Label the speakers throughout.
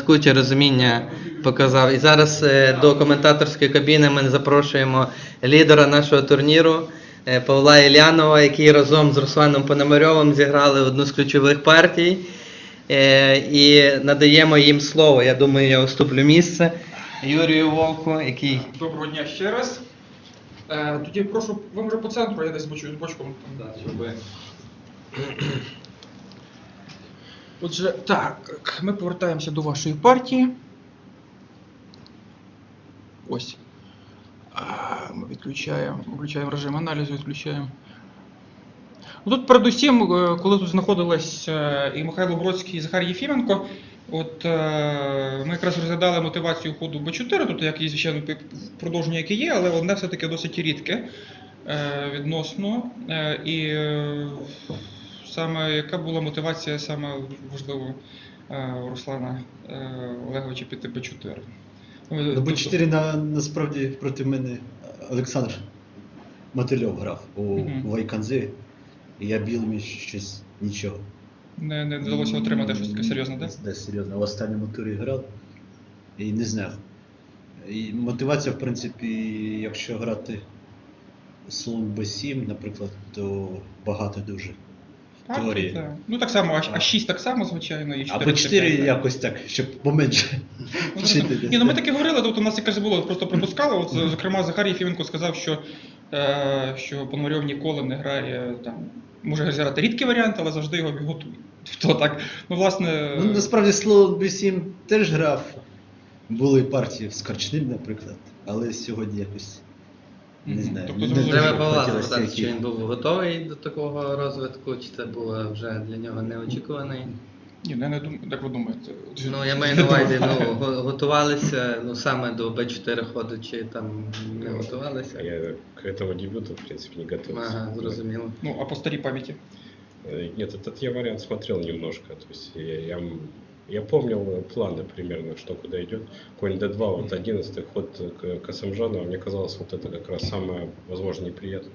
Speaker 1: блискуче розуміння показав. І зараз до коментаторської кабіни ми запрошуємо лідера нашого турніру Павла Іллянова, який разом з Русланом Пономарьовим зіграли одну з ключових партій. І надаємо їм слово. Я думаю, я уступлю місце Юрію Вовку, який...
Speaker 2: Доброго дня ще раз. Тоді прошу, ви може по центру, я десь бочку. Отже, так, ми повертаємося до вашої партії. Ось. Ми відключаємо режим аналізу, відключаємо. Тут передусім, коли тут знаходились і Михайло Бродський, і Захар Єфіменко, ми якраз розглядали мотивацію ходу Б4, тут як і, звичайно, продовження, яке є, але одне все-таки досить рідке відносно. І саме яка була мотивація, саме важливо, Руслана Олеговича піти Б4?
Speaker 3: Б4 насправді проти мене Олександр Мотильов грав у Вайканзі, і я білим щось нічого.
Speaker 2: Не вдалося отримати щось таке серйозне, так?
Speaker 3: Так, серйозно. В останньому турі грав і не знав. І мотивація, в принципі, якщо грати слон Б7, наприклад, то багато дуже. Теорії.
Speaker 2: Так. Ну так само, А6 так само, звичайно, і 4.
Speaker 3: А Б4 якось так, щоб поменше.
Speaker 2: Ні, ну ми таки говорили, тобто у нас якраз було, просто припускали, от, зокрема Захар Єфіменко сказав, що Пономарьов ніколи не грає, там, може грати рідкий варіант, але завжди його готує. Тобто так, ну власне...
Speaker 3: Ну насправді слон Б7 теж грав, були партії з Корчним, наприклад, але сьогодні якось... Не знаю.
Speaker 2: Тобто,
Speaker 1: треба Павла запитати, чи він був готовий до такого розвитку, чи це було вже для нього неочікуваний?
Speaker 2: Ні, я не думаю, як ви думаєте?
Speaker 1: Ну, я маю на увазі, готувалися саме до Б4 ходу, чи там не готувалися?
Speaker 4: Я к этому дебюту, в принципе, не готовился.
Speaker 1: Ага, зрозуміло.
Speaker 2: Ну, а по старій пам'яті?
Speaker 4: Нет, этот я вариант смотрел немножко. То есть я помнил планы примерно, что куда идет. Конь D2, вот 11-й ход к Асамжанову, мне казалось, вот это как раз самое, возможно, неприятное.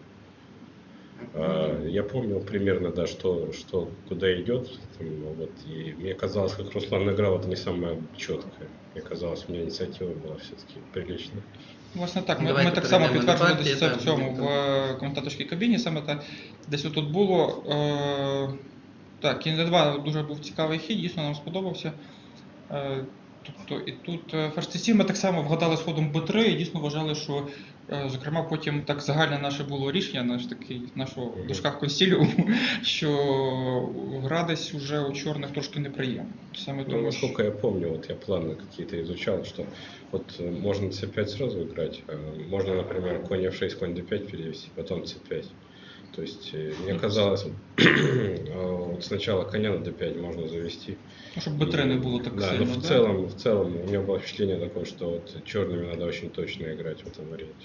Speaker 4: Я помнил примерно, да, что куда идет. Вот, и мне казалось, как Руслан играл, это не самое четкое. Мне казалось, у меня инициатива была все-таки приличная.
Speaker 2: Власне так, ми так само підтверджували десь це в цьому, в коментаторській кабіні, саме так, десь отут було. Так, кінь D2 дуже був цікавий хід, дійсно нам сподобався. Тобто і тут ферзь C7 ми так само вгадали з ходом B3 і дійсно вважали, що, зокрема, потім так загальне наше було рішення, нашого в дужках консиліуму, що гра десь уже у чорних трошки неприємно. Саме тому,
Speaker 4: насколько я помню, вот я планы какие-то изучал, что вот можно C5 сразу играть, можно, например, конь F6, конь D5 перевести, потом C5. То есть мне казалось, вот сначала коня на D5 можно завести.
Speaker 2: Ну, чтобы B3 не было так
Speaker 4: да,
Speaker 2: сильно,
Speaker 4: но в целом у меня было впечатление такое, что вот черными надо очень точно играть в этом варианте.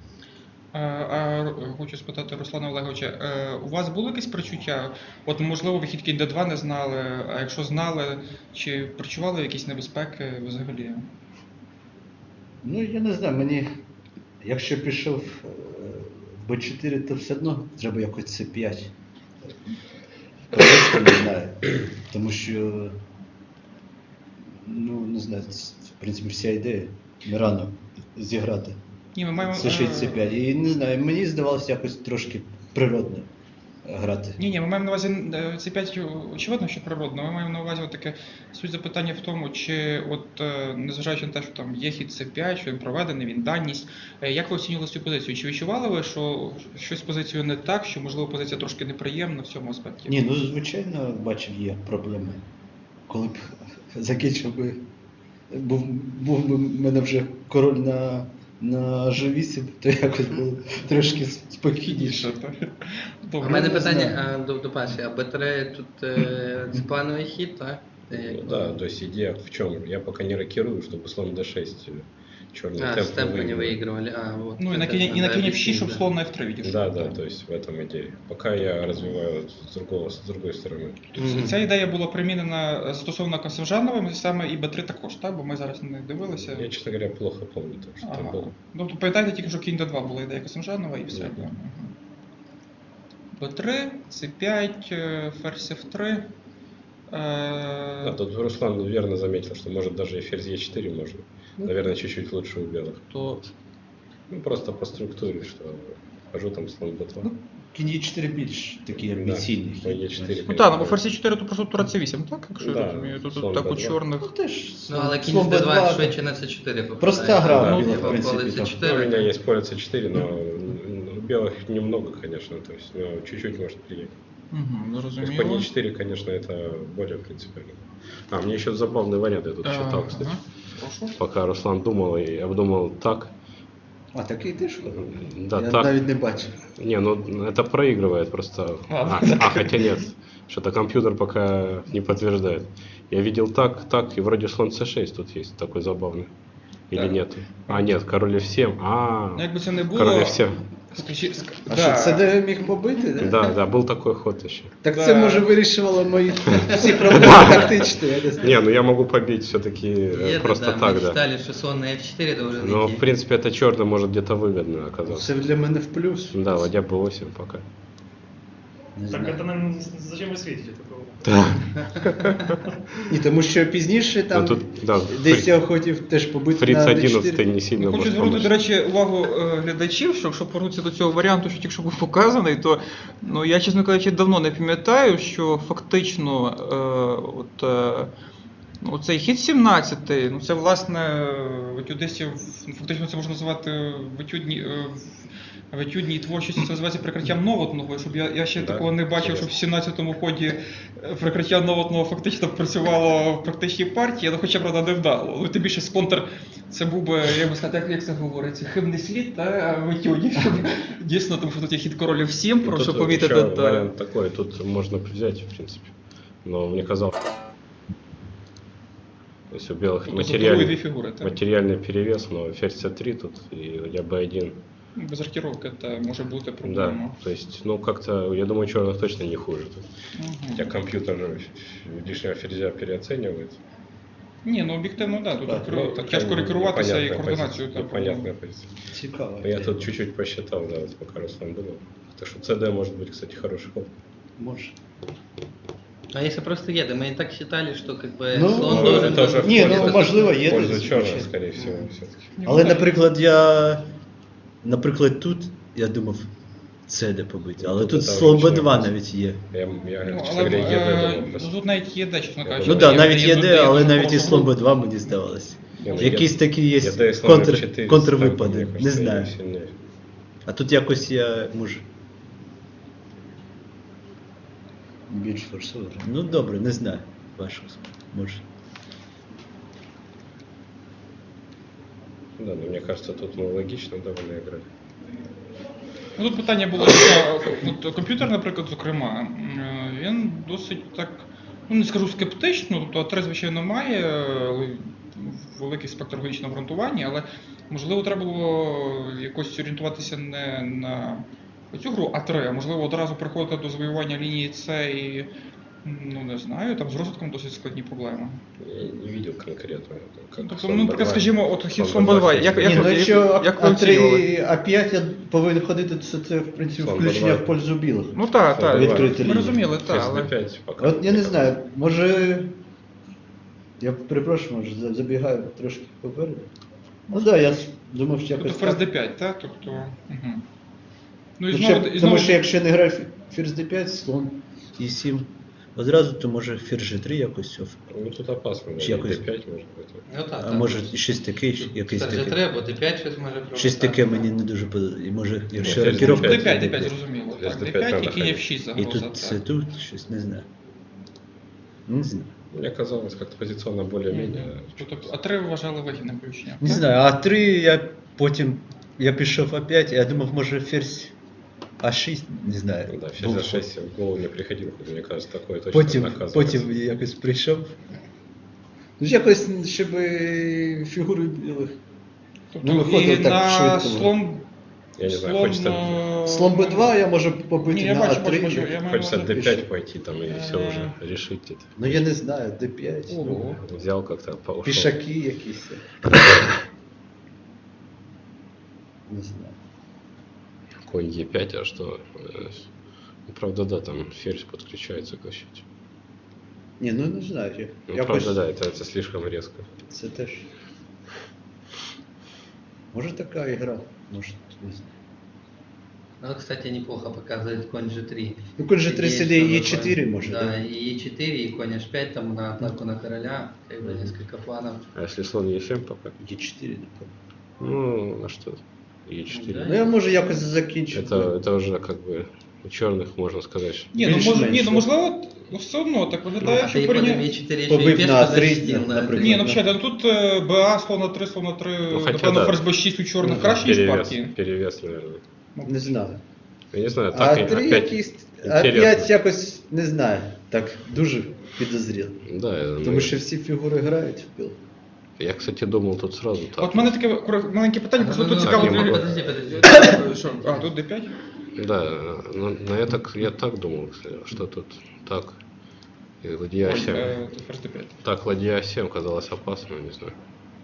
Speaker 2: Хочу спитати Руслана Олеговича, у вас було якесь причуття? От можливо ви хід кінь D2 не знали, а якщо знали, чи причували якісь небезпеки взагалі?
Speaker 3: Ну я не знаю, мені, якщо пішов Б4, то все одно треба якось С5. Просто не знаю. Тому що, ну не знаю, в принципі вся ідея не рано зіграти.
Speaker 2: Ні, ми маємо...
Speaker 3: С6, С5. І не знаю, мені здавалося якось трошки природно грати.
Speaker 2: Ні, ми маємо на увазі C5, очевидно, що природно. Ми маємо на увазі таке суть запитання в тому, чи от, незважаючи на те, що там є хід C5, що він проведений, він даність, як ви оцінювали цю позицію? Чи відчували ви, що щось з позицією не так, що, можливо, позиція трошки неприємна в цьому аспекті?
Speaker 3: Ні, ну звичайно, бачив, є проблеми. Коли б закінчив би, був би в мене вже король на G8, то якось було трошки спокійніше.
Speaker 1: У мене питання до Паші, а Б3 тут це плановий хід, так?
Speaker 4: Ну, да, то есть идея в чем? Я пока не рокирую, чтобы слон D6 черный темп
Speaker 1: темпы не выигрывали. Вот
Speaker 2: ну и на коне F6, чтобы слон на F3 видишь.
Speaker 4: Да, то есть в этом идея. Пока я развиваю с другой стороны.
Speaker 2: Ця ідея була примінена стосовно Касимжановим, саме і Б3 також, так? Бо ми зараз не дивилися.
Speaker 4: Я, честно говоря, плохо помню, що там було.
Speaker 2: Ну, пам'ятаєте тільки, що кінь D2 була ідея Касимжанова і все. Б3, С5, ферзь F3.
Speaker 4: Да, тут Руслан верно заметил, что может даже и ферзь Е4 можно. Наверное, чуть-чуть лучше у белых.
Speaker 2: То
Speaker 4: Ну, просто по структуре, что хожу там слон b2.
Speaker 3: Кінь Е4 більш такий амбіційний.
Speaker 4: по Е4.
Speaker 2: ну так, ну бо ферзь 4 то просто тура С8, так? Якщо
Speaker 4: Да,
Speaker 2: я розумію, то
Speaker 4: слон
Speaker 2: тут так у
Speaker 4: Б2.
Speaker 2: чорних.
Speaker 3: Ну теж.
Speaker 1: Ну, але кінь
Speaker 3: слон
Speaker 1: з Д2
Speaker 3: Б2,
Speaker 1: швидше на С4 попадає.
Speaker 3: Проста гра
Speaker 4: Да,
Speaker 3: біла,
Speaker 4: ну,
Speaker 3: в принципі.
Speaker 1: коли
Speaker 3: там.
Speaker 1: С4.
Speaker 4: Ну, у меня есть поле c4, но у белых немного, конечно, то есть ну, чуть-чуть может приехать.
Speaker 2: Угу,
Speaker 4: То есть по
Speaker 2: зрозуміло.
Speaker 4: e4, конечно, это более принципиально. А, мне еще забавный вариант я тут читал, кстати.
Speaker 2: Ага. Прошу.
Speaker 4: Пока Руслан думал и обдумал так.
Speaker 3: А такий теж?
Speaker 4: Да,
Speaker 3: Я
Speaker 4: так.
Speaker 3: навіть не бачив.
Speaker 4: Не, ну это проигрывает просто. Хотя нет. Что-то компьютер пока не подтверждает. Я видел так, и вроде слон c6 тут есть такой забавный. Или
Speaker 2: Так.
Speaker 4: нет? А, нет, король f7.
Speaker 2: Ну, якби це не
Speaker 4: король
Speaker 2: було.
Speaker 4: f7.
Speaker 3: А що, це де міг побити? Да?
Speaker 4: Да, был такой ход еще.
Speaker 3: Так
Speaker 2: Да.
Speaker 3: це може вирішувало мої всі проблеми тактичні, я не знаю.
Speaker 4: Не, ну я могу побить все-таки
Speaker 1: Є,
Speaker 4: просто
Speaker 1: да,
Speaker 4: так,
Speaker 1: ми
Speaker 4: да.
Speaker 1: читали, що сон на F4 должен
Speaker 4: Но
Speaker 1: идти.
Speaker 4: в принципе это черно может где-то выгодно оказаться.
Speaker 3: Це для мене в плюс.
Speaker 4: Да, ладья b8 пока.
Speaker 3: Не
Speaker 5: Так
Speaker 3: знаю.
Speaker 5: это нам зачем вы светите такого?
Speaker 3: Ні, тому що пізніше там
Speaker 4: Ну, тут, да,
Speaker 3: десь я хотів теж побити
Speaker 4: Фриц
Speaker 3: на
Speaker 4: 11
Speaker 3: D4.
Speaker 4: не сильно
Speaker 2: Я хочу
Speaker 4: может
Speaker 2: звернути, до
Speaker 4: помочь.
Speaker 2: речі, увагу глядачів, що якщо повернутися до цього варіанту, що тільки що був показаний, то ну, я, чесно кажучи, давно не пам'ятаю, що фактично цей хід 17, ну це власне в етюдистів, фактично це можна називати в етюдній творчості, це називається прикриттям новотного, щоб я ще
Speaker 4: Да,
Speaker 2: такого не бачив, щоб в
Speaker 4: серйозно.
Speaker 2: 17-му ході прикриття новотного фактично працювало в практичній партії, але хоча правда не вдало. Ну, тим більше з контр це був би, я би сказати, як це говориться, хибний слід та в етюді. Дійсно, тому що тут є хід король F7, прошу
Speaker 4: Тут
Speaker 2: помітити.
Speaker 4: еще
Speaker 2: та-
Speaker 4: вариант такой, тут можно взять, в принципе. Но мне казалось, то есть у белых
Speaker 2: Тобто забудовує дві
Speaker 4: материальный,
Speaker 2: фігури, так?
Speaker 4: материальный перевес, но ферзь c3 тут и ладья b1.
Speaker 2: Без рокіровки це може бути
Speaker 4: Да,
Speaker 2: проблема.
Speaker 4: то есть, ну как-то, я думаю, черных точно не хуже тут.
Speaker 2: Мгм.
Speaker 4: Хотя компьютер лишнего ферзя переоценивает.
Speaker 2: Ні, ну об'єктивно, да, тут
Speaker 3: Так,
Speaker 2: кер-
Speaker 4: такая
Speaker 2: тяжко керуватися і
Speaker 4: непонятная
Speaker 2: координацію.
Speaker 4: позиция, непонятная позиция.
Speaker 3: Цікаво.
Speaker 4: Я тут чуть-чуть посчитал, да, вот пока Руслан думал. Так что CD может быть, кстати, хороший ход.
Speaker 3: Може.
Speaker 1: А если просто еды? Мы и так считали, что как бы
Speaker 3: Ну,
Speaker 1: слон
Speaker 3: ну,
Speaker 1: должен...
Speaker 4: это уже
Speaker 3: Ні,
Speaker 4: в
Speaker 3: ну можливо, є.
Speaker 4: В пользу
Speaker 3: десь,
Speaker 4: черных,
Speaker 3: звичайно.
Speaker 4: скорее всего, все-таки.
Speaker 3: Але, наприклад, тут я думав, це де побити. Але
Speaker 4: Ну,
Speaker 3: тут
Speaker 4: це
Speaker 3: слон
Speaker 4: вже
Speaker 3: Б2
Speaker 4: все.
Speaker 3: навіть є.
Speaker 4: Я
Speaker 2: Ну,
Speaker 4: честно
Speaker 2: але
Speaker 4: говоря, ЕД думал просто.
Speaker 2: тут навіть є де, чесно кажучи.
Speaker 3: Ну
Speaker 4: Є-
Speaker 3: так, навіть є де, але
Speaker 2: дуже
Speaker 3: навіть і
Speaker 2: хороша
Speaker 3: слон
Speaker 2: група.
Speaker 3: Б2 мені здавалося.
Speaker 4: Не, ну,
Speaker 3: Якісь
Speaker 4: я-
Speaker 3: такі є
Speaker 4: ЕД и слон F4
Speaker 3: контрвипади,
Speaker 4: мне
Speaker 3: не
Speaker 4: кажется,
Speaker 3: знаю.
Speaker 4: сильнее.
Speaker 3: А тут якось я можу. Більш форсовано. Ну добре, не знаю. Важко. Може.
Speaker 4: Да, но мне кажется, тут мы логично довольно играли.
Speaker 2: Ну, тут питання було, що от комп'ютер, наприклад, зокрема, він досить так, ну не скажу скептично, тобто А3, звичайно, має великий спектр логічного обґрунтування, але можливо треба було якось орієнтуватися не на цю гру А3, а можливо одразу приходити до завоювання лінії С і, ну не знаю, там з розвитком досить складні проблеми.
Speaker 4: Я не видел конкретно. Как
Speaker 2: Тобто,
Speaker 4: слон
Speaker 2: ну, наприклад,
Speaker 4: B2.
Speaker 2: скажімо, от хід
Speaker 4: Слон
Speaker 2: слон
Speaker 4: B2
Speaker 2: Б2,
Speaker 4: ферзь
Speaker 2: як,
Speaker 4: B2.
Speaker 2: як,
Speaker 3: Ні, ну
Speaker 2: як,
Speaker 3: якщо
Speaker 2: як ви оцінювали?
Speaker 3: А3, А5 я повинен ходити, це в принципі
Speaker 4: Слон
Speaker 3: включення
Speaker 4: Б2.
Speaker 3: в пользу білих.
Speaker 2: Ну так, так,
Speaker 3: Відкрити
Speaker 2: ми
Speaker 3: лінію.
Speaker 2: розуміли, так,
Speaker 4: Ферзь
Speaker 2: але...
Speaker 4: D5 пока.
Speaker 3: От я не знаю, може. Я перепрошую, може забігаю трошки попереду. Ну так, я думав, що
Speaker 2: Тобто
Speaker 3: якось.
Speaker 2: ферзь
Speaker 3: так.
Speaker 2: d5, так? Тобто, угу. Ну і
Speaker 3: Ну,
Speaker 2: знову,
Speaker 3: ще-
Speaker 2: і
Speaker 3: Тому
Speaker 2: знову
Speaker 3: що якщо не грає ферзь d5, слон e7. Одразу, то може ферзь g3 якось.
Speaker 4: Ну тут опасно, да,
Speaker 3: Чи якось-
Speaker 4: D5 может быть.
Speaker 1: Ну так,
Speaker 3: А
Speaker 1: так.
Speaker 3: може щось таке, якийсь
Speaker 1: Це вже
Speaker 3: таке.
Speaker 1: треба, Д5 щось може провокати.
Speaker 3: Щось таке мені не дуже подобається. І може, якщо
Speaker 4: ферзь
Speaker 3: рокіровка.
Speaker 4: D5,
Speaker 2: d5, d5, зрозуміло.
Speaker 4: Ферзь
Speaker 2: Так,
Speaker 4: D5
Speaker 2: d5
Speaker 4: надо
Speaker 2: і кінь
Speaker 4: ходити.
Speaker 2: f6
Speaker 3: І
Speaker 2: загроза.
Speaker 3: тут це
Speaker 2: так.
Speaker 3: тут, щось не знаю. Не знаю.
Speaker 4: Мне казалось, как-то позиционно более-менее.
Speaker 2: Тобто А3 вважали вигідним включенням.
Speaker 3: Не
Speaker 2: так?
Speaker 3: знаю, А3 я потім. Я пішов А5, я думав, може ферзь А6, не знаю.
Speaker 4: Да, ферзь
Speaker 3: був.
Speaker 4: А6 в голову не приходил, мне кажется, такое точно
Speaker 3: Потім,
Speaker 4: наказывается.
Speaker 3: потім якось прийшов. Ну, якось, щоб фігури білих.
Speaker 2: Тобто,
Speaker 3: не виходило
Speaker 2: і
Speaker 3: так
Speaker 2: на
Speaker 3: швидко.
Speaker 2: слон...
Speaker 4: Я не знаю,
Speaker 2: слон,
Speaker 4: хочется,
Speaker 3: Слон Б2 я можу побити
Speaker 2: Ні, я
Speaker 3: на
Speaker 2: бачу,
Speaker 3: А3.
Speaker 2: бачу, я маю
Speaker 4: хочется
Speaker 2: на увазі.
Speaker 4: D5 пойти там и все
Speaker 2: Э.
Speaker 4: уже решить это.
Speaker 3: Ну я не знаю, Д5.
Speaker 2: Ого.
Speaker 3: Ну,
Speaker 4: Взял как-то, ушел.
Speaker 3: пішаки якісь. Не знаю.
Speaker 4: Конь Е5, а что? Ну, правда, да, там ферзь подключается к защите.
Speaker 3: Ні, ну не знаю.
Speaker 4: Ну,
Speaker 3: Якось
Speaker 4: правда, да, это слишком резко.
Speaker 3: це теж. Може така ігра, може, не знаю.
Speaker 1: Ну, кстати, неплохо показывает конь G3.
Speaker 3: Ну, конь G3
Speaker 1: Идея,
Speaker 3: сидит
Speaker 1: что
Speaker 3: E4
Speaker 1: такое.
Speaker 3: может,
Speaker 1: да?
Speaker 3: да?
Speaker 1: И E4, и конь H5 там на атаку на короля, как бы несколько планов.
Speaker 4: А если слон Е7 пока?
Speaker 3: E4, напевно.
Speaker 4: Ну, а что? Е4.
Speaker 1: Да.
Speaker 3: Ну я можу якось закінчити.
Speaker 4: Это уже как бы у черных можно сказать, что
Speaker 2: Ні, ну,
Speaker 3: Більш-менш.
Speaker 2: можливо, все одно так виглядає,
Speaker 1: А
Speaker 2: що
Speaker 1: ты потом
Speaker 2: порівняно...
Speaker 1: E4 еще
Speaker 3: Побив
Speaker 1: и
Speaker 3: на
Speaker 1: пешку
Speaker 3: три,
Speaker 1: защитил, да.
Speaker 3: например.
Speaker 2: Ні, ну взагалі, ну тут БА, слона 3,
Speaker 4: Ну, хотя
Speaker 2: напевно,
Speaker 4: да.
Speaker 2: ферзь Б6 у чорних
Speaker 3: Ну,
Speaker 2: краще, ніж
Speaker 4: перевес,
Speaker 2: партії.
Speaker 4: перевес, наверное.
Speaker 3: Не знаю.
Speaker 4: Я не знаю, так
Speaker 3: А
Speaker 4: и
Speaker 3: 3
Speaker 4: опять
Speaker 3: якийсь. А
Speaker 4: интересно.
Speaker 3: 5 якось не знаю. Так дуже підозріло.
Speaker 4: Да,
Speaker 3: Тому що всі фігури грають в піл.
Speaker 4: я, кстати, думал тут сразу так.
Speaker 2: От в мене таке маленьке питання, просто тут
Speaker 1: Ну,
Speaker 2: цікаво.
Speaker 4: не могу.
Speaker 1: подожди.
Speaker 2: Що? А, тут D5?
Speaker 4: Да, но я так думал, что тут так. И ладья
Speaker 2: Ой,
Speaker 4: 7.
Speaker 2: тут ферзь D5.
Speaker 4: Так, ладья 7 казалось опасно, не знаю.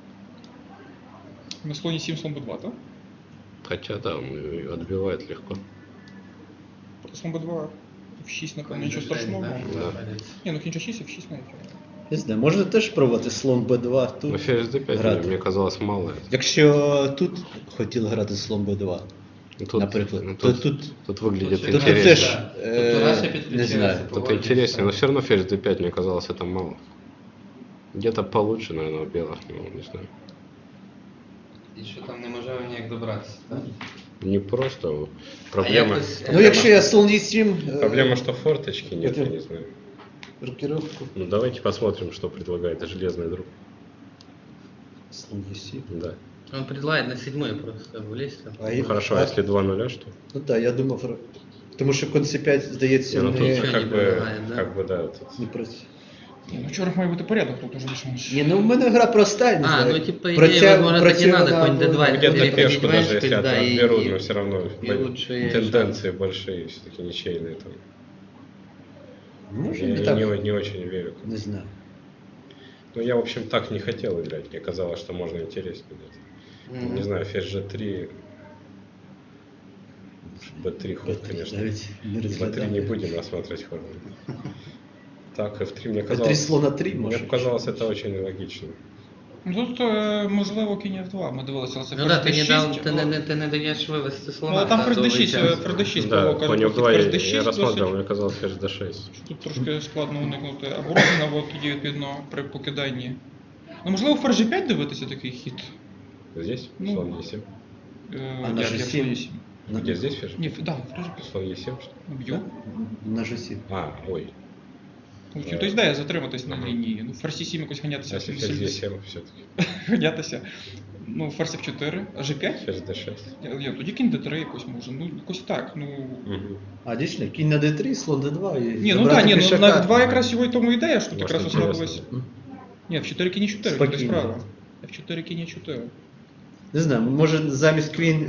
Speaker 2: На слоні 7, слон B2, так?
Speaker 4: Хотя да, он и отбивает легко.
Speaker 2: Слон B2, F6, напевно, нічого страшного.
Speaker 4: Да.
Speaker 2: Ні, ну кінча 6, F6 навіть.
Speaker 3: Не знаю, можна теж пробувати слон Б2
Speaker 4: Но
Speaker 3: тут.
Speaker 4: ферзь d5
Speaker 3: грати.
Speaker 4: мне казалось мало.
Speaker 3: Якщо тут хотіли грати слон Б2,
Speaker 4: Тут,
Speaker 3: наприклад,
Speaker 4: ну,
Speaker 3: то
Speaker 4: тут,
Speaker 3: тут
Speaker 4: выглядит
Speaker 1: Тут
Speaker 3: тут
Speaker 4: интереснее.
Speaker 3: теж
Speaker 1: Тут Раша
Speaker 3: не
Speaker 1: підключається.
Speaker 3: знаю.
Speaker 4: Тут интереснее, но все равно ферзь d5 мне казалось это мало. Где-то получше, наверное, у белых, ну, не знаю.
Speaker 1: І що там неможливо ніяк добратися, так?
Speaker 4: Не просто. Проблема,
Speaker 3: Ну якщо я слон Е7,
Speaker 4: проблема, что форточки нет, я
Speaker 3: это-
Speaker 4: не знаю.
Speaker 3: рокировку.
Speaker 4: Ну давайте посмотрим, что предлагает железный друг.
Speaker 3: Слон Е7.
Speaker 4: Да.
Speaker 1: Он предлагает на 7 просто влезть. там.
Speaker 3: А
Speaker 4: Ну, хорошо, а если 2-0, что?
Speaker 3: Ну так, я думав, тому що конь С5, здається,
Speaker 4: Не, ну тут
Speaker 3: не,
Speaker 1: Ничего не
Speaker 4: как бы,
Speaker 1: предлагает, да?
Speaker 4: как бы, да, тут
Speaker 3: не працює.
Speaker 2: Ні, ну в чорних має бути порядок, тут уже більш-менш.
Speaker 3: Ні, ну в мене гра проста, я не
Speaker 1: А,
Speaker 3: знаю.
Speaker 1: ну типа идея, возможно, так и надо, конь D2.
Speaker 4: где-то
Speaker 1: переходить
Speaker 4: пешку,
Speaker 1: в
Speaker 4: даже
Speaker 1: Эшпиль,
Speaker 4: если
Speaker 1: да, и-
Speaker 4: отберут, но все равно
Speaker 1: и лучше
Speaker 4: тенденции большие, все-таки ничейные там.
Speaker 3: Може,
Speaker 4: Я
Speaker 3: не так,
Speaker 4: не очень верю.
Speaker 3: не знаю.
Speaker 4: Ну, я, в общем, так не хотел играть. Мне казалось, что можно интереснее играть.
Speaker 1: Мгм.
Speaker 4: Не знаю, ферзь G3. B3 ход, конечно.
Speaker 3: Навіть не
Speaker 4: B3 не
Speaker 3: розглядав.
Speaker 4: будем рассматривать ход. Так, F3 мне
Speaker 3: Три
Speaker 4: казалось...
Speaker 3: слона 3
Speaker 4: Мне
Speaker 3: може.
Speaker 4: показалось это очень логично.
Speaker 2: Ну тут, можливо, кінь F2, ми дивилися, але це
Speaker 1: Ну да,
Speaker 2: ферзь
Speaker 1: ты не,
Speaker 2: D6.
Speaker 1: дал, ты не даешь вывести слона.
Speaker 2: Ну, а там
Speaker 1: да,
Speaker 2: ферзь
Speaker 1: довгий
Speaker 2: D6,
Speaker 1: час.
Speaker 2: ферзь D6
Speaker 4: Да,
Speaker 2: було,
Speaker 4: конь
Speaker 2: кажуть,
Speaker 4: F2
Speaker 2: ферзь
Speaker 4: я
Speaker 2: D6
Speaker 4: рассматривал,
Speaker 2: досить.
Speaker 4: мне казалось ферзь D6.
Speaker 2: Тут трошки складно уникнути оборони, от тоді відповідно при покиданні. Ну, можливо, ферзь G5 дивитися такий хід.
Speaker 4: Здесь
Speaker 2: Ну,
Speaker 4: слон E7.
Speaker 3: А на
Speaker 2: Як
Speaker 3: G7?
Speaker 2: слон E7.
Speaker 4: Где здесь ферзь?
Speaker 2: Ні, да, ферзь G5.
Speaker 4: Слон E7, что ли?
Speaker 2: Б'ю.
Speaker 3: На G7.
Speaker 4: А, ой.
Speaker 2: Ну, тобто ідея затриматись на лінії. Ну, ферзь E7 якось
Speaker 4: А
Speaker 2: ганятися.
Speaker 4: если
Speaker 2: сильно-
Speaker 4: ферзь
Speaker 2: сильно-
Speaker 4: E7 все-таки?
Speaker 2: Ганятися. Ну, ферзь F4, а G5?
Speaker 4: Ферзь D6.
Speaker 2: Ні, тоді кінь D3 якось може. Ну, якось так. Ну,
Speaker 4: Мгм.
Speaker 3: А дійсно, кінь на D3, слон D2 і
Speaker 2: ні, ну
Speaker 3: забрати
Speaker 2: так, ні, ну
Speaker 3: пішака.
Speaker 2: на F2 якраз його й тому ідея, що тут
Speaker 4: Може,
Speaker 2: якраз
Speaker 4: інтересно.
Speaker 2: ослабилось. Ні, F4 кінь 4,
Speaker 3: Спокійно.
Speaker 2: це справа. F4 кінь 4.
Speaker 3: Не знаю, може замість квін...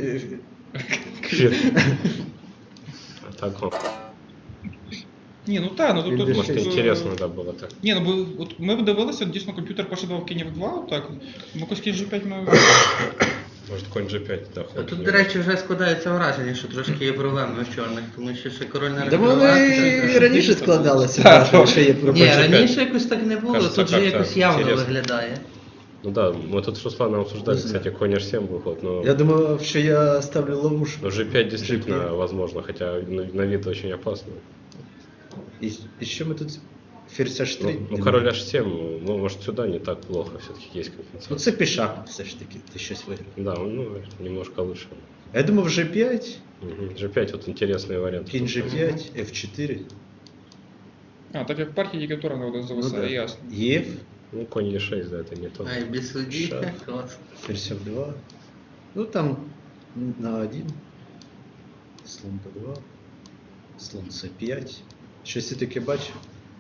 Speaker 4: А так, вот.
Speaker 2: Ні, ну так, ну
Speaker 3: Він
Speaker 2: тут...
Speaker 3: D6.
Speaker 4: Может, интересно, да, было так.
Speaker 2: Ні, ну бо от ми б дивилися, дійсно комп'ютер пошидав кінь F2, так. Ну, якось кінь G5 ми...
Speaker 4: Может, конь G5, да,
Speaker 1: А
Speaker 4: ход.
Speaker 1: тут, до речі, вже складається враження, що трошки є проблеми в чорних, тому що ще король на
Speaker 3: Да вони і раніше складалися, бачили, що є
Speaker 1: Ні,
Speaker 3: пропозиція.
Speaker 1: раніше якось так не було,
Speaker 4: Кажется,
Speaker 1: тут же
Speaker 4: как-то
Speaker 1: якось явно
Speaker 4: интересно.
Speaker 1: виглядає.
Speaker 4: Ну да, мы тут с Русланом обсуждали,
Speaker 3: Не знаю.
Speaker 4: кстати, конь H7 выход, но...
Speaker 3: Я думав, що я ставлю ловушку.
Speaker 4: Но G5 действительно
Speaker 3: G5.
Speaker 4: возможно, хотя на вид очень опасно.
Speaker 3: І що ми тут? Ферзь H3?
Speaker 4: Ну, король H7, ну, может, сюда не так плохо, все-таки есть
Speaker 3: Ну
Speaker 4: компенсация.
Speaker 3: це пішак все ж таки, ти щось виграв.
Speaker 4: Да, ну, немножко лучше.
Speaker 3: А я думав G5,
Speaker 4: Мгм. G5 вот интересный вариант.
Speaker 3: кінь G5, F4,
Speaker 2: А, так як в партії тільки тура на один зависає,
Speaker 3: да.
Speaker 2: ясно.
Speaker 3: Єв,
Speaker 4: Ну, конь E6, да, это не то.
Speaker 1: Ай, без судді,
Speaker 3: Шах.
Speaker 1: клас.
Speaker 3: ферзь F2. Ну там на 1, слон P2, слон C5. Щось я таке бачив.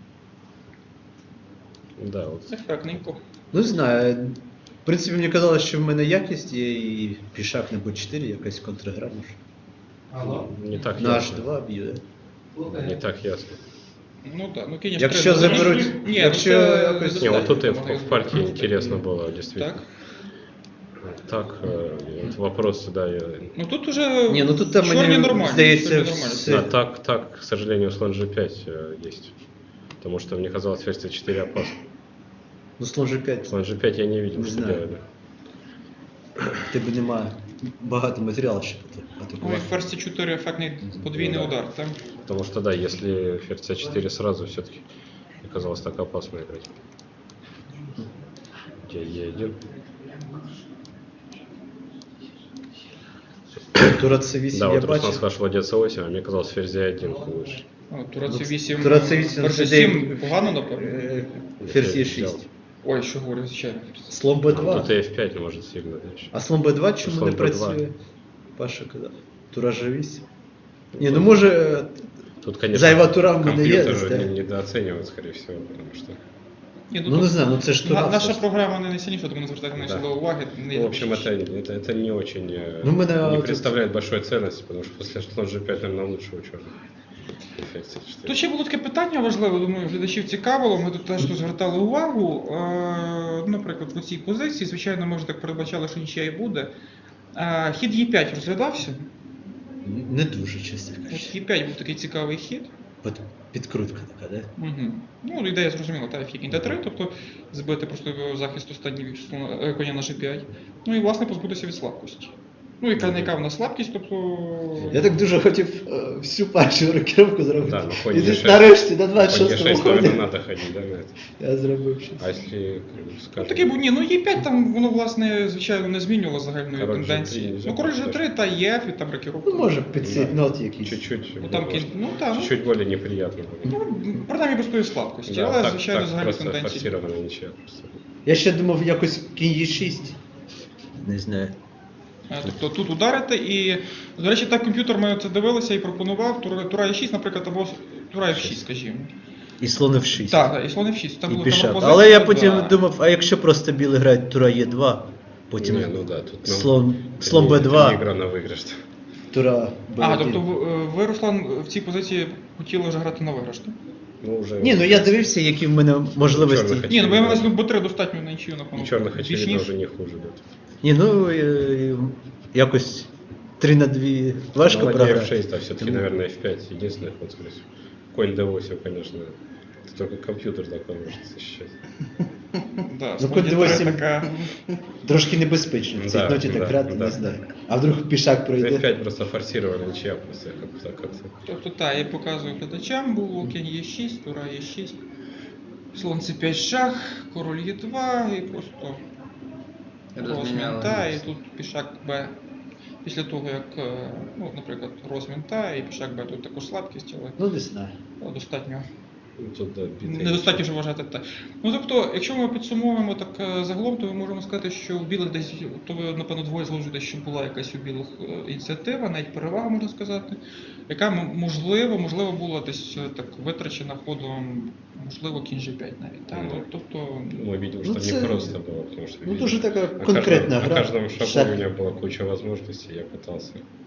Speaker 4: Да, вот.
Speaker 2: Ефектненько.
Speaker 3: Ну не знаю. В принципі, мені казалось, що в мене якість є і пішак на B4, якась контргра може.
Speaker 1: Алло?
Speaker 4: Не так
Speaker 3: На
Speaker 4: ясно.
Speaker 3: H2 б'є.
Speaker 4: Не так ясно.
Speaker 2: Ну так, ну кінь H3.
Speaker 3: Якщо
Speaker 2: ну,
Speaker 3: заберуть-
Speaker 2: ні,
Speaker 3: якщо
Speaker 2: ну, це
Speaker 3: якось-
Speaker 4: Не,
Speaker 2: достатньо,
Speaker 4: вот тут и
Speaker 2: можна
Speaker 4: в партии
Speaker 2: зробити.
Speaker 4: интересно было, действительно.
Speaker 2: Так.
Speaker 4: Так, вот вопрос, да,
Speaker 2: Ну тут уже
Speaker 3: Ні, ну тут там
Speaker 2: чорні
Speaker 3: мені
Speaker 2: нормальні,
Speaker 3: здається,
Speaker 2: чорні нормальні.
Speaker 3: все.
Speaker 4: да, так, к сожалению, слон G5 есть. Потому что мне казалось, ферзь c4 опасно.
Speaker 3: Ну, слон G5.
Speaker 4: Слон g5 я не видел,
Speaker 3: Не
Speaker 4: что
Speaker 3: знаю.
Speaker 4: делали.
Speaker 3: В тебе немає багато матеріалу ще
Speaker 2: Ну і
Speaker 3: атакувати.
Speaker 2: ферзь c4 ефектний подвійний
Speaker 4: Да.
Speaker 2: удар, так?
Speaker 4: Потому что, да, если ферзь c4 сразу, все-таки оказалось так опасно играть. Где e1.
Speaker 3: Тура C8
Speaker 4: Да,
Speaker 3: я
Speaker 4: вот Руслан
Speaker 3: бачив.
Speaker 4: спрашивал, где c8, а мне казалось, ферзь e1 лучше.
Speaker 2: Тура c8,
Speaker 3: Тура C8
Speaker 2: ферзь
Speaker 3: це
Speaker 2: c7 погано, напевно?
Speaker 3: Ферзь
Speaker 4: взял.
Speaker 3: Е6.
Speaker 2: Ой, що говорю, звичайно.
Speaker 3: Слон
Speaker 4: Тут
Speaker 3: Б2.
Speaker 4: f5 может сильно, знаешь.
Speaker 3: А слон Б2 чому
Speaker 4: Слон
Speaker 3: не
Speaker 4: Б2.
Speaker 3: працює? Паша казав. Тура G8. Ні, ну може
Speaker 4: Тут, конечно,
Speaker 3: зайва тура в мене є.
Speaker 4: компьютер
Speaker 3: десь,
Speaker 4: недооценивает, скорее всего, потому что...
Speaker 2: Ні,
Speaker 3: Ну не знаю, ну це ж тура.
Speaker 2: наша
Speaker 3: все ж.
Speaker 2: програма не найсильніша, тому не звертайте на
Speaker 4: Да.
Speaker 2: до уваги. Не
Speaker 4: В общем, это не очень...
Speaker 3: Ну, мы, наверное,
Speaker 4: не
Speaker 3: тут-
Speaker 4: представляет большой ценности, потому что после слон g5, наверное, лучше у черных. Эффект c4.
Speaker 2: Тут ще було таке питання важливе, думаю, глядачів цікавило, ми тут теж тут звертали увагу. Наприклад, в цій позиції, звичайно, ми вже так передбачали, що нічия і буде. Хід Е5 розглядався.
Speaker 3: Не дуже, чесно
Speaker 2: От
Speaker 3: кажучи.
Speaker 2: Е5 був такий цікавий хід.
Speaker 3: От підкрутка така, да?
Speaker 2: Угу. Ну, ідея зрозуміла, та фік Д3, тобто збити просто захист останній коня на G5. Ну і власне позбутися від слабкості. Ну, яка в нас слабкість, тобто.
Speaker 3: Я так дуже хотів всю першу рокіровку зробити.
Speaker 4: Да, ну,
Speaker 3: І
Speaker 4: хоч
Speaker 3: десь
Speaker 4: Е6.
Speaker 3: нарешті на
Speaker 4: По
Speaker 3: 26-му
Speaker 4: e6, наверное,
Speaker 3: ході
Speaker 4: надо ходить, да, на это?
Speaker 3: я зробив щось.
Speaker 4: А если,
Speaker 2: Ну,
Speaker 4: скажем,
Speaker 2: такий був, ні, ну Е5 там воно, власне, звичайно, не змінювало загальної
Speaker 4: Король
Speaker 2: тенденції.
Speaker 4: G3
Speaker 2: Ну, король
Speaker 4: нельзя
Speaker 2: G3 та ЄФ, і там рокіровка.
Speaker 3: Ну, може, підсвітнот якийсь.
Speaker 4: чуть-чуть,
Speaker 2: Ну, там
Speaker 4: может,
Speaker 2: ну, так, ну,
Speaker 4: чуть-чуть более неприятно будет.
Speaker 2: ну, принаймні без тої слабкості,
Speaker 4: Да,
Speaker 2: але,
Speaker 4: так,
Speaker 2: звичайно,
Speaker 4: так
Speaker 2: загальні
Speaker 4: просто
Speaker 2: тенденції.
Speaker 4: форсирована ничья. Просто.
Speaker 3: Я ще думав якось кінь Е6. Не знаю.
Speaker 2: Тобто тут ударити і, до речі, так комп'ютер ми це дивилися і пропонував Тура Е6, наприклад, або Тура F6, скажімо.
Speaker 3: І слон F6.
Speaker 2: Так, і слон F6. Там
Speaker 3: І
Speaker 2: була
Speaker 3: пішак.
Speaker 2: пропозиція,
Speaker 3: Але я потім
Speaker 2: да.
Speaker 3: думав, а якщо просто білий грають тура Е2, потім
Speaker 4: Не, ну да, тут ну,
Speaker 3: слон
Speaker 4: это не
Speaker 3: Б2,
Speaker 4: игра на выигрыш.
Speaker 3: тура Б1.
Speaker 2: Тобто ви, Руслан, в цій позиції хотіли вже грати на виграш, так?
Speaker 4: Ну, уже...
Speaker 3: Ні, ну я дивився, які в мене можливості.
Speaker 4: Чорних
Speaker 2: Ні, ну бо я маю Б3 достатньо на нічию,
Speaker 4: И
Speaker 2: напевно.
Speaker 4: черных,
Speaker 2: більш
Speaker 4: очевидно,
Speaker 2: ніж.
Speaker 4: уже не хуже идет.
Speaker 3: Ні, ну якось 3-2 важко
Speaker 4: Ну, ладья
Speaker 3: програти.
Speaker 4: F6, а все-таки,
Speaker 3: Тому-
Speaker 4: наверное, F5 единственный ход, скорее всего. Конь D8, конечно, это только компьютер такой может защищать.
Speaker 2: Да,
Speaker 3: Ну,
Speaker 2: слон
Speaker 3: код
Speaker 2: Е3
Speaker 3: D8
Speaker 2: така...
Speaker 3: Трошки небезпечно в цій
Speaker 4: Да,
Speaker 3: ноті так
Speaker 4: да,
Speaker 3: грати,
Speaker 4: да.
Speaker 3: не знаю. А вдруг пішак пройде.
Speaker 4: F5 просто форсировали ничья, просто как-то.
Speaker 2: Тобто, так, я показую глядачам, було кінь Е6, Тура Е6, слон С5 шах, король Е2 і просто розмін, та, і тут пішак Б. Після того, як, ну, наприклад, розмін та, і пішак Б тут також слабкість, але
Speaker 3: Ну, не знаю.
Speaker 2: достатньо.
Speaker 4: Ну, тут, да, битый.
Speaker 2: Недостатньо, щоб вважати так. Ну тобто, якщо ми підсумовуємо так загалом, то ми можемо сказати, що у білих десь, то ви, напевно, двоє зложите, що була якась у білих ініціатива, навіть перевага, можна сказати, яка можливо була десь так витрачена ходом, можливо, кінь G5 навіть. Так?
Speaker 4: Ну,
Speaker 2: Тобто,
Speaker 4: Мы видим,
Speaker 3: Ну,
Speaker 4: что
Speaker 3: це-
Speaker 4: не просто было, потому что...
Speaker 3: Ну,
Speaker 4: видим,
Speaker 3: дуже така
Speaker 4: на
Speaker 3: конкретна
Speaker 4: каждом,
Speaker 3: гра.
Speaker 4: На каждом шагу
Speaker 3: Шах.
Speaker 4: у меня была куча возможностей, я пытался.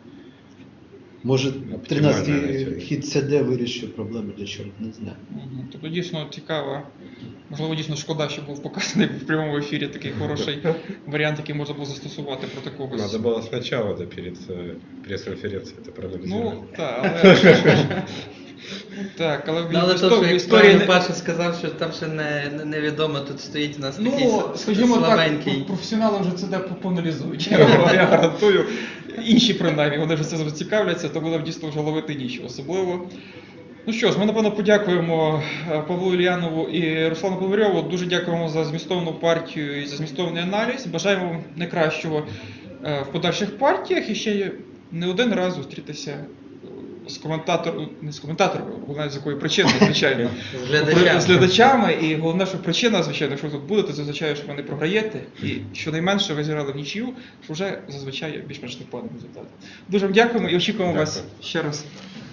Speaker 3: Може,
Speaker 4: Оптимально
Speaker 3: 13-й
Speaker 4: навіть.
Speaker 3: хід СД вирішив проблеми для чого, не знаю.
Speaker 2: тобто дійсно цікаво. Можливо, дійсно шкода, що був показаний в прямому ефірі такий хороший варіант, який можна було застосувати проти когось.
Speaker 4: Надо было сначала, да, перед пресс-конференцией это проанализировать.
Speaker 2: Ну, так, але... Так, але в
Speaker 1: Ну, але то,
Speaker 2: історії-
Speaker 1: що
Speaker 2: в
Speaker 1: як
Speaker 2: історії
Speaker 1: правильно
Speaker 2: не-
Speaker 1: Паша сказав, що там ще невідомо, тут стоїть у нас такий
Speaker 2: Ну, скажімо так,
Speaker 1: слабенький.
Speaker 2: професіонали вже це де поаналізують. Я гарантую. Інші принаймні, вони вже це зацікавляться, то буде дійсно вже ловити ніч особливо. Ну що ж, ми напевно подякуємо Павлу Ільянову і Руслану Поварьову. Дуже дякуємо за змістовну партію і за змістовний аналіз. Бажаємо вам найкращого в подальших партіях і ще не один раз зустрітися з коментатором, не з коментатором, головне з якої причини, звичайно.
Speaker 1: З глядачами.
Speaker 2: З глядачами, і головне, що причина, звичайно, якщо ви тут будете, це означає, що ви не програєте, і щонайменше ви зіграли в нічию, що вже зазвичай є більш-менш непоганий результат. Дуже вам дякуємо і очікуємо вас
Speaker 4: Дякую.
Speaker 2: ще раз.